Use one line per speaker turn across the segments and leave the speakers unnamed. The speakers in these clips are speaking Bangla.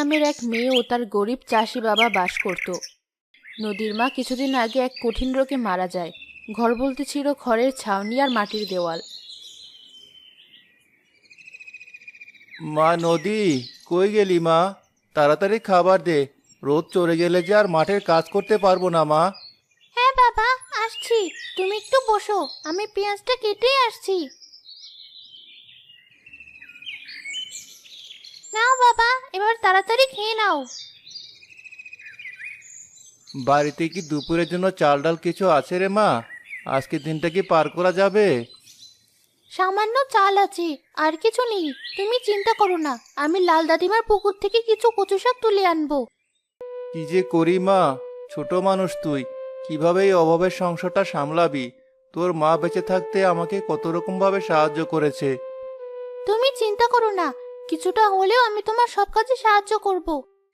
নামের এক মেয়ে ও তার গরিব চাষি বাবা বাস করত। নদীর মা কিছুদিন আগে এক কঠিন রোগে মারা যায়। ঘর বলতে ছিল খড়ের ছাউনি আর মাটির দেওয়াল।
মা নদী, কই গেলি মা? তাড়াতাড়ি খাবার দে। রোদ চড়ে গেলে যে আর মাঠের কাজ করতে পারবো না মা।
হ্যাঁ বাবা, আসছি। তুমি একটু বসো, আমি পেঁয়াজটা কেটেই আসছি। নাও বাবা, এবার তাড়াতাড়ি খেয়ে নাও।
বাড়িতে কি দুপুরের জন্য চাল ডাল কিছু আছে রে মা? আজকের দিনটা কি পার করা যাবে?
সামান্য চাল আছে, আর কিছু নেই। তুমি চিন্তা করো না, আমি লাল দাদিমার পুকুর থেকে কিছু কচু শাক তুলে আনবো।
কি যে করি মা, ছোট মানুষ তুই, কিভাবে এই অভাবের সংসারটা সামলাবি? তোর মা বেঁচে থাকতে আমাকে কত রকম ভাবে সাহায্য করেছে।
তুমি চিন্তা করো না, কিছুটা হলেও আমি তোমার সব কাজে সাহায্য করব।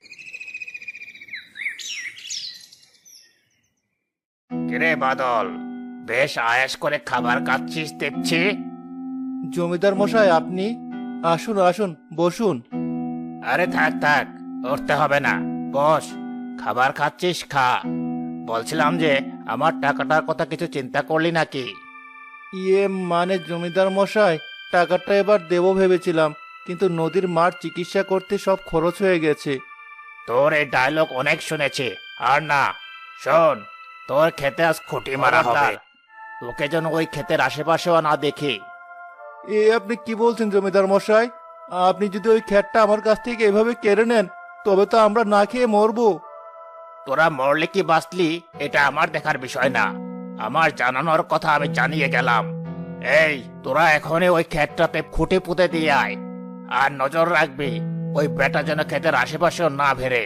কিরে বাদল, বেশ আয়েশ করে খাবার খাচ্ছিস দেখছি।
জমিদার মশাই, আপনি? আসুন আসুন, বসুন।
আরে থাক থাক, উঠতে হবে না, বস। খাবার খাচ্ছিস, খা। বলছিলাম যে আমার টাকাটার কথা কিছু চিন্তা করলি নাকি?
ইয়ে মানে জমিদার মশাই, টাকাটা এবার দেবো ভেবেছিলাম, কিন্তু নদীর মার চিকিৎসা করতে সব খরচ হয়ে গেছে।
তোর এই ডায়লগ অনেক শুনেছি। আর না, শোন, তোর খেতে আজ খুঁটি মারা হবে। তোকে যেন ওই ক্ষেতের আশেপাশেও না দেখি।
এ আপনি কি বলছেন জমিদার মশাই? আপনি যদি ওই খ্যাটটা আমার কাছ থেকে এভাবে কেড়ে নেন, তবে তো আমরা না খেয়ে মরবো।
তোরা মরলে কি বাঁচলি এটা আমার দেখার বিষয় না, আমার জানানোর কথা আমি জানিয়ে গেলাম। এই, তোরা এখনই ওই ক্ষেতটাতে খুঁটি পুঁতে দিয়ে আয়। আর নজর রাখবি ওই বেটা যেন ক্ষেতের আশেপাশেও না ভেরে।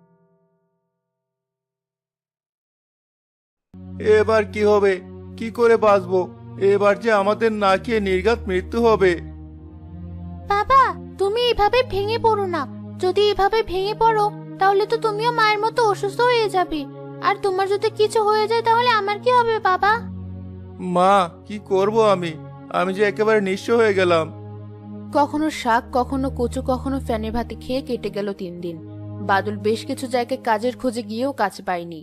এবার কি হবে? কি করে বাঁচবো? এবার যে আমাদের না খেয়ে নির্ঘাত মৃত্যু হবে।
বাবা, তুমি এভাবে ভেঙে পড়ো না। যদি এভাবে ভেঙে পড়ো, তাহলে তো তুমিও মায়ের মতো অসুস্থ হয়ে যাবে। আর তোমার যদি কিছু হয়ে যায় তাহলে আমার কি হবে বাবা?
মা, কি করব আমি? আমি যে একেবারে নিঃস্ব হয়ে গেলাম।
কখনো শাক, কখনো কচু, কখনো ফ্যানে ভাতে খেয়ে কেটে গেল 3 দিন। বাদল বেশ কিছু জায়গায় কাজের খোঁজে গিয়েও কাজ পায়নি।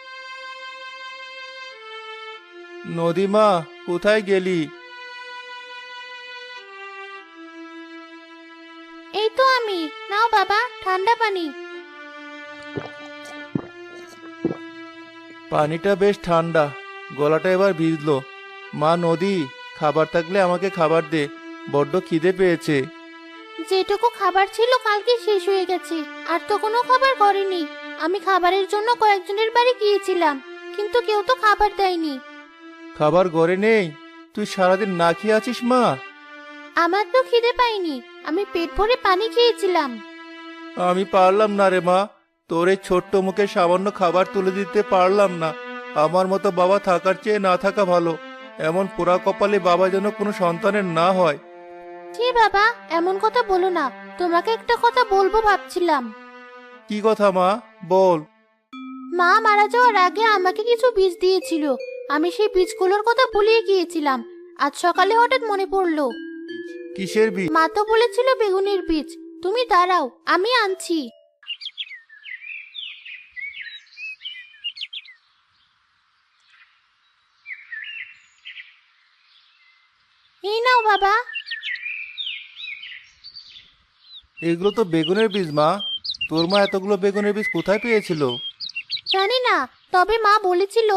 নদীমা, কোথায় গেলি?
এই তো আমি। নাও বাবা, ঠান্ডা পানি।
পানিটা বেশ ঠান্ডা, গলাটা এবার ভিজলো। মা নদী, খাবার থাকলে আমাকে খাবার দে, বড্ড খিদে পেয়েছে।
যেটুকু খাবার ছিল কালকে শেষ হয়ে গেছে, আর তো কোনো খাবার করেনি। আমি খাবারের জন্য কয়েকজনের বাড়ি গিয়েছিলাম, কিন্তু কেউ তো খাবার দেয়নি।
খাবার ঘরে নেই? তুই সারাদিন না খেয়ে আছিস মা?
আমার তো খিদে পাইনি, আমি পেট ভরে পানি খেয়েছিলাম।
আমি পারলাম না রে মা, তোর এই ছোট্ট মুখে সামান্য খাবার তুলে দিতে পারলাম না। আমার মতো বাবা থাকার চেয়ে না থাকা ভালো। এমন পোড়া কপালে বাবা যেন কোনো সন্তানের না হয়।
জি বাবা, এমন কথা বলো না। তোমাকে একটা কথা বলবো ভাবছিলাম।
কি কথা মা, বল।
মা মারা যাওয়ার আগে আমাকে কিছু বীজ দিয়েছিল। আমি সেই বীজগুলোর কথা ভুলিয়ে গিয়েছিলাম। আজ সকালে হঠাৎ মনে পড়লো।
কিসের বীজ?
মা তো বলেছিল বেগুনের বীজ। তুমি দাঁড়াও, আমি আনছি। এই নাও বাবা।
এগুলো তো বেগুনের বীজ মা। তোর মা এতগুলো বেগুনের বীজ কোথায় পেয়েছিল?
জানি না, তবে মা বলেছিল।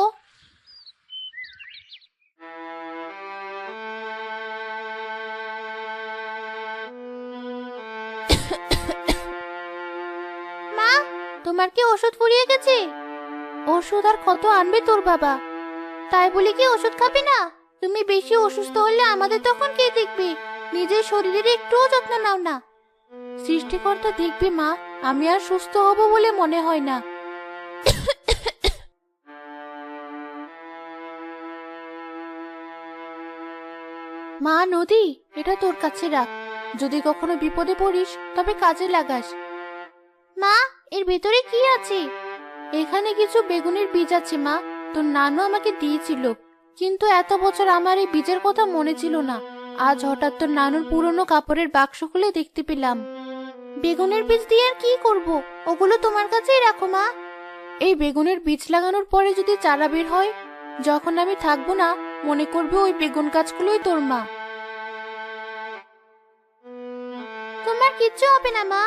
মা, তোমার কি ওষুধ ফুরিয়ে গেছে? ওষুধ আর কত আনবে তোর বাবা? তাই বলে কি ওষুধ খাবে না? তুমি বেশি অসুস্থ হলে আমাদের তখন কে দেখবে? নিজের শরীরের একটুও যত্ন নাও না। সৃষ্টিকর্তা দেখবে মা, আমি আর সুস্থ হব বলে মনে হয় না। মা নদী, এটা তোর কাছে রাখ। যদি কখনো বিপদে পড়িস তবে কাজে লাগাস। মা, এর ভেতরে কি আছে? এখানে কিছু বেগুনের বীজ আছে মা। তোর নানু আমাকে দিয়েছিল, কিন্তু এত বছর আমার এই বীজের কথা মনে ছিল না। আজ হঠাৎ তোর নানুর পুরনো কাপড়ের বাক্স খুলে দেখতে পেলাম। বেগুনের বীজ দিয়ে আর কি করব? ওগুলো তোমার কাছেই রাখো মা। এই বেগুনের বীজ লাগানোর পরে যদি চারা বের হয়, যখন আমি থাকবো না মনে করবে ওই বেগুন গাছগুলোই তোর মা। তোমার কিচ্ছু হবে না মা।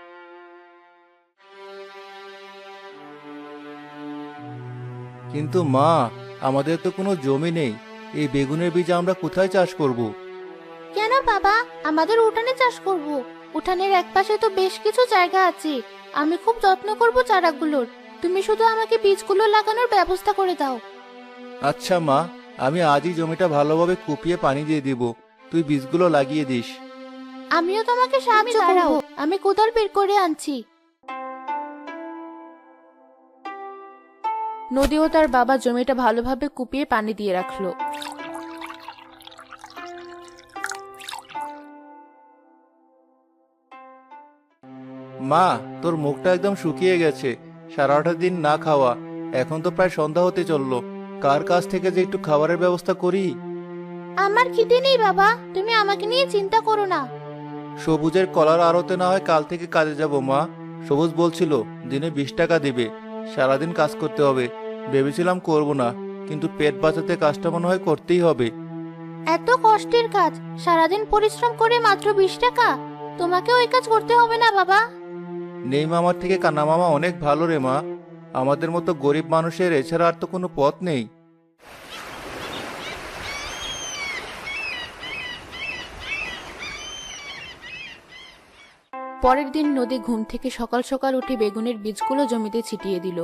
কিন্তু মা, আমাদের তো কোনো জমি নেই, এই বেগুনের বীজ আমরা কোথায় চাষ করব?
কেন বাবা, আমাদের উঠানে চাষ করব। উঠানের একপাশে তো বেশ কিছু জায়গা আছে। আমি খুব যত্ন করব চারাগুলোর। তুমি শুধু আমাকে বীজগুলো লাগানোর ব্যবস্থা করে দাও।
আচ্ছা মা, আমি আজই জমিটা ভালোভাবে কুপিয়ে পানি দিয়ে দিব, তুই বীজগুলো লাগিয়ে দিস।
আমিও তোমাকে সাহায্য করব। আমি কোদাল বের করে আনছি। নদী ও তার বাবা জমিটা ভালোভাবে কুপিয়ে পানি দিয়ে রাখলো।
মা, তোর মুখটা একদম শুকিয়ে গেছে, সারাটা দিন না খাওয়া। এখন তো প্রায় সন্ধ্যা হতে চললো, কার কাছ থেকে যে একটু খাবারের ব্যবস্থা করি।
আমার খিদে নেই বাবা, তুমি আমাকে নিয়ে চিন্তা করো না।
সবুজের কলার আড়তে না হয় কাল থেকে কাজে যাব মা। সবুজ বলছিল দিনে 20 টাকা দিবে, সারাদিন কাজ করতে হবে। ভেবেছিলাম করব না, কিন্তু পেট বাঁচাতে কাজটা মনে হয় করতেই হবে।
এত কষ্টের কাজ, সারাদিন পরিশ্রম করে মাত্র 20 টাকা? তোমাকে ওই কাজ করতে হবে না বাবা।
নেই মামার থেকে কানা মামা অনেক ভালো রে মা। আমাদের মতো গরিব মানুষের এছাড়া আর তো কোনো পথ নেই।
পরের দিন নদী ঘুম থেকে সকাল সকাল উঠে বেগুনের বীজগুলো জমিতে ছিটিয়ে দিল।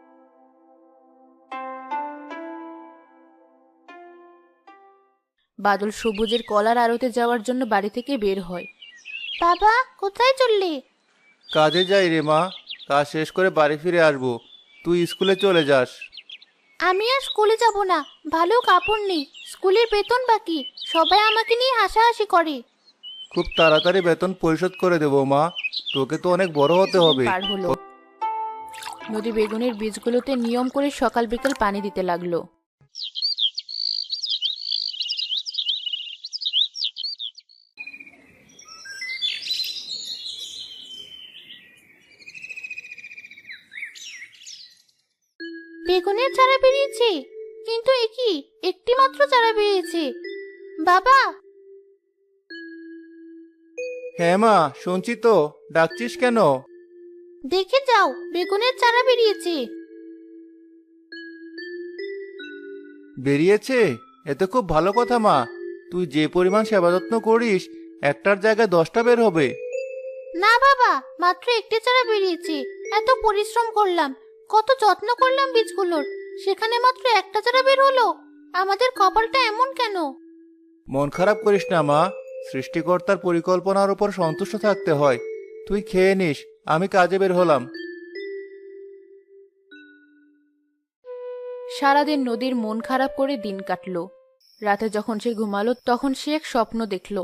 বাদল সবুজের কলার আড়তে যাওয়ার জন্য বাড়ি থেকে বের হয়। বাবা, কোথায় চললি?
কাজে যাই রে মা, কাজ শেষ করে বাড়ি ফিরে আসবো। তুই স্কুলে চলে যাস।
আমি আর স্কুলে যাব না, ভালো কাপড় নেই, স্কুলের বেতন বাকি, সবাই আমাকে নিয়ে হাসাহাসি করে।
খুব তাড়াতাড়ি বেতন পরিশোধ করে দেবো মা, তোকে তো অনেক বড় হতে হবে।
পার হলো। নদী বেগুনের বীজগুলোতে নিয়ম করে সকাল বিকেল পানি দিতে লাগলো। বেগুনের চারা বেরিয়েছে, কিন্তু এ কি, একটি মাত্র চারা বেরিয়েছে। বাবা!
হ্যাঁ মা, শুনছি তো, ডাকছিস কেন?
দেখে যাও, বেগুনের চারা বেরিয়েছে।
বেরিয়েছে? এতে খুব ভালো কথা মা। তুই যে পরিমাণ সেবা যত্ন করিস, একটার জায়গায় 10টা বের হবে।
না বাবা, মাত্র একটি চারা বেরিয়েছে। এত পরিশ্রম করলাম, কত যত্ন করলাম বীজগুলোর, সেখানে মাত্র একটা চারা বের হলো। আমাদের কপালটা এমন কেন?
মন খারাপ করিস না মা, সৃষ্টিকর্তার পরিকল্পনার উপর সন্তুষ্ট থাকতে হয়। তুই খেয়ে নিস, আমি কাজে বের হলাম।
সারাদিন নদীর মন খারাপ করে দিন কাটলো। রাতে যখন সে ঘুমালো তখন সে এক স্বপ্ন দেখলো।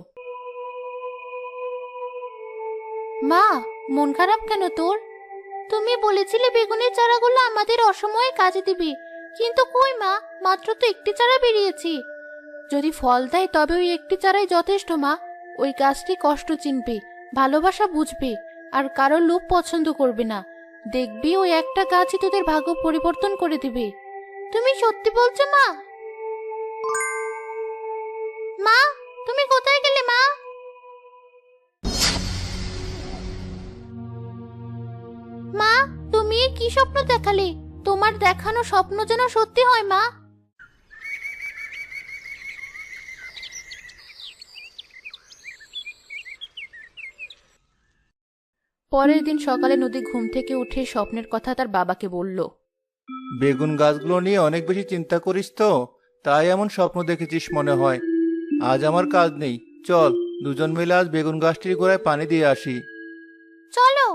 মা, মন খারাপ কেন তোর? তুমি বলেছিলে বেগুনের চারাগুলো আমাদের অসময়ে কাজে দিবে, কিন্তু কই মা, মাত্র তো একটি চারা বেরিয়েছে। যদি ফল দেয় তবে ওই একটি চারাই যথেষ্ট মা। ওই গাছটি কষ্ট চিনবে, ভালোবাসা বুঝবে, আর কারো লোভ পছন্দ করবে না। দেখবি ওই একটা গাছই তোদের ভাগ্য পরিবর্তন করে দিবে। তুমি সত্যি বলছো মা? মা, তুমি কোথায় গেলে মা? মা, তুমি এ কি স্বপ্ন দেখালে? তোমার দেখানো স্বপ্ন যেন সত্যি হয় মা। পরের দিন সকালে নদী ঘুম থেকে উঠে স্বপ্নের কথা তার বাবাকে বলল।
বেগুন গাছগুলো নিয়ে অনেক বেশি চিন্তা করিস তো, তাই এমন স্বপ্ন দেখেছিস মনে হয়। আজ আমার কাজ নেই, চল দুজন মিলে আজ বেগুন গাছটির গোড়ায় পানি দিয়ে আসি।
চলো।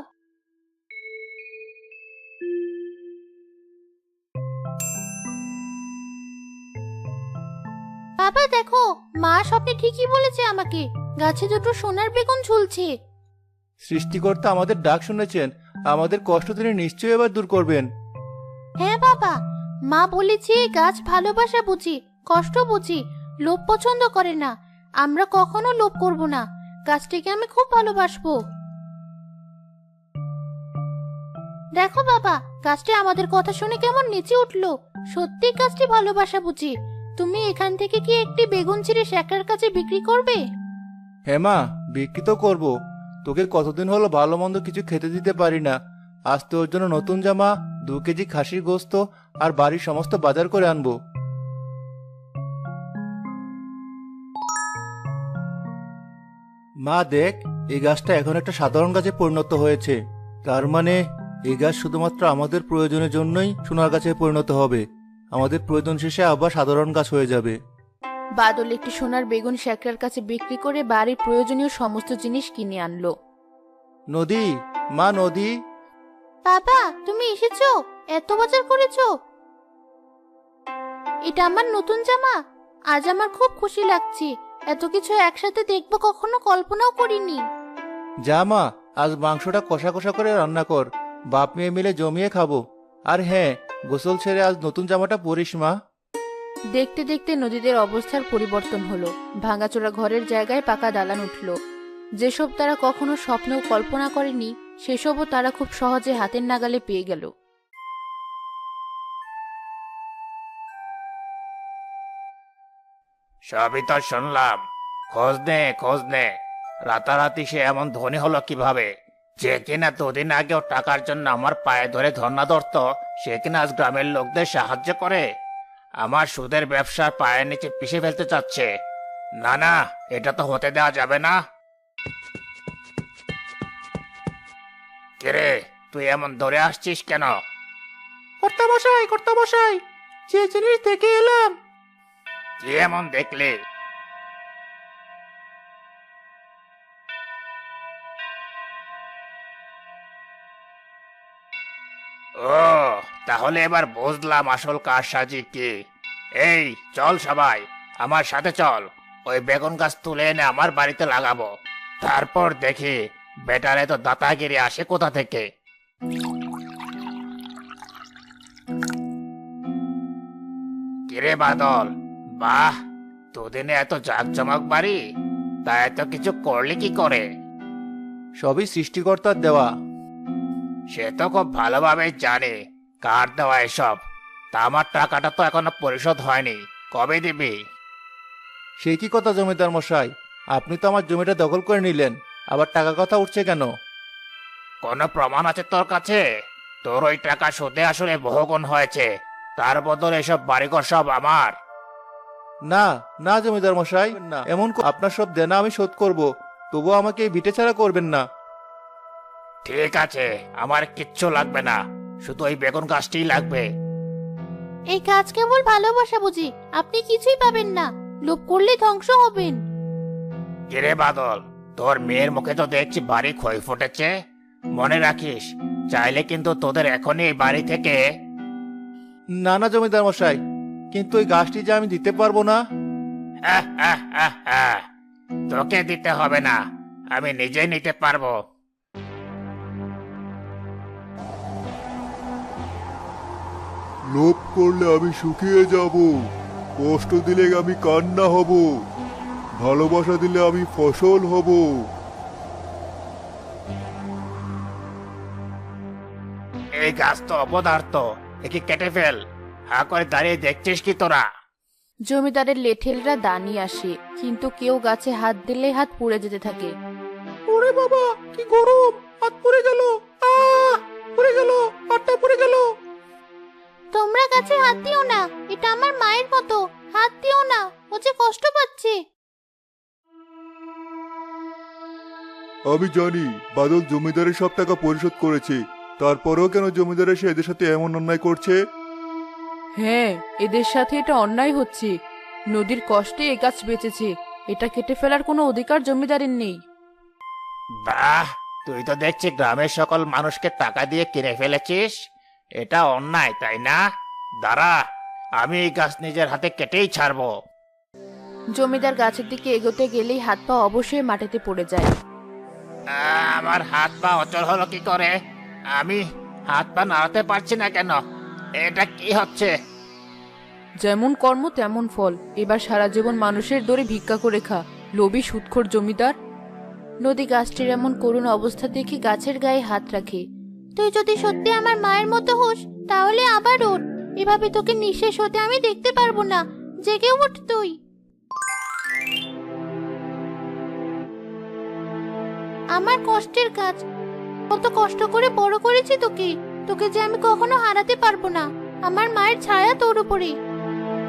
বাবা দেখো, মা স্বপ্নে ঠিকই বলেছে আমাকে, গাছে দুটো সোনার বেগুন ঝুলছে।
সৃষ্টিকর্তা আমাদের ডাক শুনেছেন, আমাদের কষ্ট তিনি নিশ্চয়ই এবার দূর করবেন।
হ্যাঁ বাবা, মা বলেছে গাছ ভালোবাসা বুঝি, কষ্ট বুঝি, লোভ পছন্দ করে না। আমরা কখনো লোভ করব না, গাছটিকে আমি খুব ভালোবাসবো। দেখো বাবা, গাছটি আমাদের কথা শুনে কেমন নেচে উঠলো। সত্যি গাছটি ভালোবাসা বুঝি। তুমি এখান থেকে কি একটি বেগুন ছিঁড়ে শেখার কাছে বিক্রি করবে?
হ্যাঁ মা, বিক্রি তো করবো। তোকে কতদিন হলো ভালো মন্দ কিছু খেতে দিতে পারি না। আজ তোর জন্য নতুন জামা, 2 কেজি খাসির গোস্ত আর বাড়ির সমস্ত বাজার করে আনবো। মা দেখ, এই গাছটা এখন একটা সাধারণ গাছে পরিণত হয়েছে। তার মানে এই গাছ শুধুমাত্র আমাদের প্রয়োজনের জন্যই সোনার গাছে পরিণত হবে। আমাদের প্রয়োজন শেষে আবার সাধারণ গাছ হয়ে যাবে।
বাদল একটি সোনার বেগুন শেখরার কাছে বিক্রি করে বাড়ির প্রয়োজনীয় সমস্ত জিনিস কিনে আনলো।
নদী, মা নদী।
বাবা, তুমি এসেছো? এত বাজার করেছো? এটা আমার নতুন জামা। আজ আমার খুব খুশি লাগছে। এত কিছু একসাথে দেখবো কখনো কল্পনাও করিনি।
যা মা, আজ মাংসটা কষা কষা করে রান্না কর। বাপ মেয়ে মিলে জমিয়ে খাবো। আর হ্যাঁ, গোসল ছেড়ে আজ নতুন জামাটা পরিস মা।
দেখতে দেখতে নদীদের অবস্থার পরিবর্তন হলো। ভাঙাচোরা ঘরের জায়গায় পাকা দালান উঠল। যেসব তারা কখনো স্বপ্নেও কল্পনা করেনি, সেসবও তারা খুব সহজে হাতের নাগালে পেয়ে গেল।
সবই তো শুনলাম। খোঁজ নে। রাতারাতি সে এমন ধনী হলো কিভাবে? যে কিনা দুদিন আগেও টাকার জন্য আমার পায়ে ধরে ধর্ণা ধরত, সে কিনা আজ গ্রামের লোকদের সাহায্য করে আমার সুদের ব্যবসার পায়ের নিচে পিষে ফেলতে চাচ্ছে। না না, এটা তো হতে দেওয়া যাবে না। কিরে, তুই এমন ধরে আসছিস কেন?
কর্তামশাই, যে জিনিস দেখে এলাম।
কি এমন দেখলি? ও, তাহলে এবার বুঝলাম আসল কারসাজি কি। এই চল সবাই, আমার সাথে চল। ওই বেগুন গাছ তুলে এনে আমার বাড়িতে লাগাবো। তারপর দেখি বেটারে তো দাতাগিরি আসে কোথা থেকে। কিরে বাদল, বাহ, দুদিনে এত জাঁকজমক বাড়ি! তা এত কিছু করলি কি করে?
সবই সৃষ্টিকর্তার দেওয়া।
সে তো খুব ভালোভাবে জানে কার দেওয়া এসব। তা আমার টাকাটা তো এখনো পরিশোধ হয়নি, কবে দিবি?
সে কি কথা জমিদার মশাই, আপনি তো আমার জমিটা দখল করে নিলেন, আবার টাকা কথা উঠছে কেন?
কোনো প্রমাণ আছে তোর কাছে? তোর ওই টাকা সুদে আসলে বহুগুণ হয়েছে। তার বদলে এসব বাড়িঘর সব আমার।
না না জমিদার মশাই, না, আপনার সব দেনা আমি শোধ করব, তবুও আমাকে এই ভিটে ছাড়া করবেন না।
ঠিক আছে, আমার কিচ্ছু লাগবে না, শুধু ওই বেগুন গাছটিই লাগবে।
এই গাছ কেবল ভালোবাসা বুঝি, আপনি কিছুই পাবেন না। লোভ করলে ধ্বংস হবেন।
কিরে বাদল, তোর মেয়ের মুখে তো দেখছি বাড়ি ক্ষয় ফুটেছে। মনে রাখিস, চাইলে কিন্তু তোদের এখনই এই বাড়ি থেকে।
না না জমিদার মশাই, কিন্তু ওই গাছটি যে আমি দিতে পারবো না।
তোকে দিতে হবে না, আমি নিজেই নিতে পারবো।
লোভ করলে আমি শুকিয়ে যাব, কষ্ট দিলে আমি কান্না হব, ভালোবাসা দিলে আমি ফসল হব।
এই গাছ তো অপদার্থ, একে কেটে ফেল। হা করে দাঁড়িয়ে দেখছিস কি তোরা?
জমিদারের লেঠেলরা দাঁড়িয়ে আসে, কিন্তু কেউ গাছে হাত দিলে হাত পুড়ে যেতে থাকে।
ওরে বাবা, কি গরম! হাত পুড়ে গেল, পুড়ে গেল, হাতটা পুড়ে গেল।
তোমরা গাছে হাত দিও না, এটা আমার মায়ের মতো। হাত দিও না, ও যে কষ্ট পাচ্ছে।
আমি জানি বাদল জমিদারের সব টাকা পরিশোধ করেছে, তারপরেও কেন জমিদার এসে এদের সাথে এমন অন্যায় করছে?
হ্যাঁ, এদের সাথে এটা অন্যায় হচ্ছে। নদীর কষ্টে এ গাছ বেঁচেছে, এটা কেটে ফেলার কোনো অধিকার জমিদারের নেই।
বাহ, তুই তো দেখছি গ্রামের সকল মানুষকে টাকা দিয়ে কিনে ফেলেছিস। এটা অন্যায়, তাই না? দাঁড়া, আমি এই গাছ নিজের হাতে কেটেই ছাড়বো।
জমিদার গাছের দিকে এগোতে গেলেই হাত পা অবশ্যই মাটিতে পড়ে যায়।
আমার হাত পা অচল হলো কি করে? আমি হাত পা নাড়াতে পারছি না কেন? এটা কি হচ্ছে?
যেমন কর্ম তেমন ফল। এবার সারা জীবন মানুষের দরে ভিক্ষা করে খা, লোভী সুদখোর জমিদার।
নদী গাছটির এমন করুণ অবস্থা দেখে গাছের গায়ে হাত রাখে। তুই যদি সত্যি আমার মায়ের মতো হোস তাহলে আবার ওঠ। এভাবে তোকে নিঃশেষ হতে আমি দেখতে পারবো না। জেগে ওঠ তুই। আমার কষ্টের কাজ, কত কষ্ট করে বড় করেছি তোকে। তোকে যে আমি কখনো হারাতে পারবো না। আমার মায়ের ছায়া তোর উপরে।